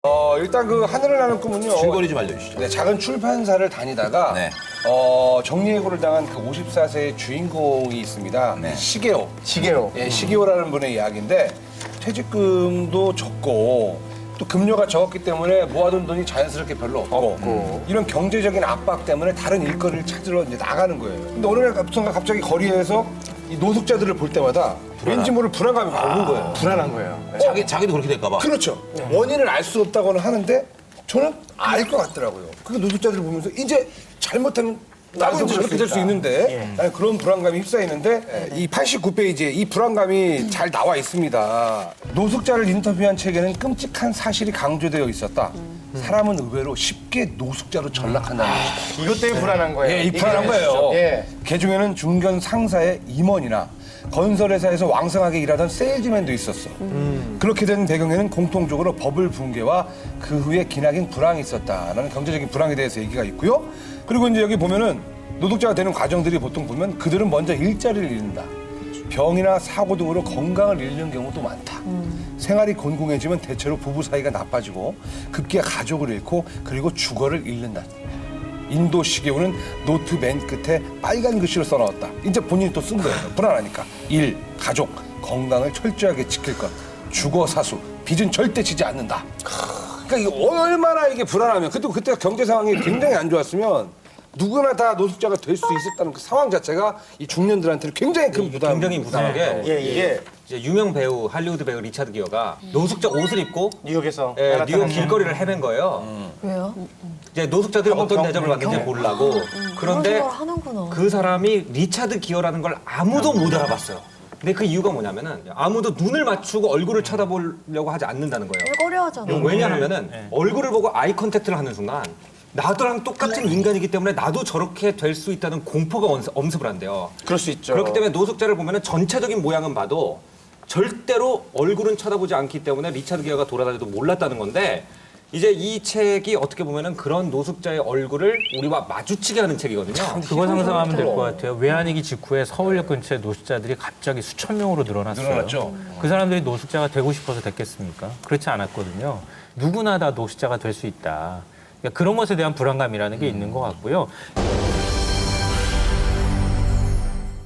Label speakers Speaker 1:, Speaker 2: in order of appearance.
Speaker 1: 일단 그 하늘을 나는 꿈은요.
Speaker 2: 줄거리 좀 알려주시죠.
Speaker 1: 네, 작은 출판사를 다니다가
Speaker 2: 네.
Speaker 1: 정리해고를 당한 그 54세의 주인공이 있습니다.
Speaker 2: 네.
Speaker 1: 시게오.
Speaker 3: 시계로.
Speaker 1: 예, 시게오라는 분의 이야기인데 퇴직금도 적고 또 급료가 적었기 때문에 모아둔 돈이 자연스럽게 별로 없고 이런 경제적인 압박 때문에 다른 일거리를 찾으러 이제 나가는 거예요. 근데 어느 날 갑자기 거리에서 이 노숙자들을 볼 때마다 왠지 모를 불안감이 오는 거예요.
Speaker 3: 불안한 거예요.
Speaker 2: 자기도 그렇게 될까 봐.
Speaker 1: 그렇죠. 원인을 알 수 없다고는 하는데 저는 알 것 같더라고요. 그 노숙자들을 보면서 이제 잘못하면 나도 저렇게 될 수 있는데 나는 그런 불안감이 휩싸이는데 이 89페이지에 이 불안감이 잘 나와 있습니다. 노숙자를 인터뷰한 책에는 끔찍한 사실이 강조되어 있었다. 사람은 의외로 쉽게 노숙자로 전락한다는 것이다.
Speaker 3: 이것 때문에 불안한 거예요.
Speaker 1: 예, 이 불안한 거예요.
Speaker 3: 예.
Speaker 1: 개중에는 중견 상사의 임원이나 건설회사에서 왕성하게 일하던 세일즈맨도 있었어. 그렇게 된 배경에는 공통적으로 버블 붕괴와 그 후에 기나긴 불황이 있었다라는 경제적인 불황에 대해서 얘기가 있고요. 그리고 이제 여기 보면은 노동자가 되는 과정들이 보통 보면 그들은 먼저 일자리를 잃는다. 병이나 사고 등으로 건강을 잃는 경우도 많다. 생활이 곤궁해지면 대체로 부부 사이가 나빠지고 급기야 가족을 잃고 그리고 주거를 잃는다. 인도 시계오는 노트 맨 끝에 빨간 글씨로 써넣었다. 이제 본인이 또 쓴 거예요. 불안하니까. 일, 가족, 건강을 철저하게 지킬 것. 주거, 사수, 빚은 절대 지지 않는다. 그러니까 이게 얼마나 이게 불안하면 그때 경제 상황이 굉장히 안 좋았으면 누구나 다 노숙자가 될 수 있었다는 그 상황 자체가 이 중년들한테는 굉장히 큰 부담.
Speaker 4: 굉장히 무서운 게
Speaker 3: 예.
Speaker 4: 이제 유명 배우 할리우드 배우 리차드 기어가 노숙자 옷을 입고
Speaker 3: 뉴욕에서.
Speaker 4: 뉴욕 길거리를 헤맨 거예요.
Speaker 5: 왜요?
Speaker 4: 이제 노숙자들이 어떤 대접을 받는지 보려고. 그런데
Speaker 5: 그런 생각을 하는구나.
Speaker 4: 그 사람이 리차드 기어라는 걸 아무도 못 알아봤어요. 근데 그 이유가 뭐냐면은 아무도 눈을 맞추고 얼굴을 쳐다보려고 하지 않는다는 거예요.
Speaker 5: 꺼려하잖아.
Speaker 4: 왜냐하면은 얼굴을 보고 아이 컨택트를 하는 순간 나도랑 똑같은 인간이기 때문에 나도 저렇게 될 수 있다는 공포가 엄습을 한대요.
Speaker 3: 그럴 수 있죠.
Speaker 4: 그렇기 때문에 노숙자를 보면은 전체적인 모양은 봐도 절대로 얼굴은 쳐다보지 않기 때문에 리차드 기어가 돌아다녀도 몰랐다는 건데 이제 이 책이 어떻게 보면은 그런 노숙자의 얼굴을 우리와 마주치게 하는 책이거든요.
Speaker 6: 그거 상상하면 될 것 같아요. 외환위기 직후에 서울역 근처에 노숙자들이 갑자기 수천 명으로 늘어났어요.
Speaker 1: 늘어났죠.
Speaker 6: 그 사람들이 노숙자가 되고 싶어서 됐겠습니까? 그렇지 않았거든요. 누구나 다 노숙자가 될 수 있다. 그러니까 그런 것에 대한 불안감이라는 게 있는 것 같고요.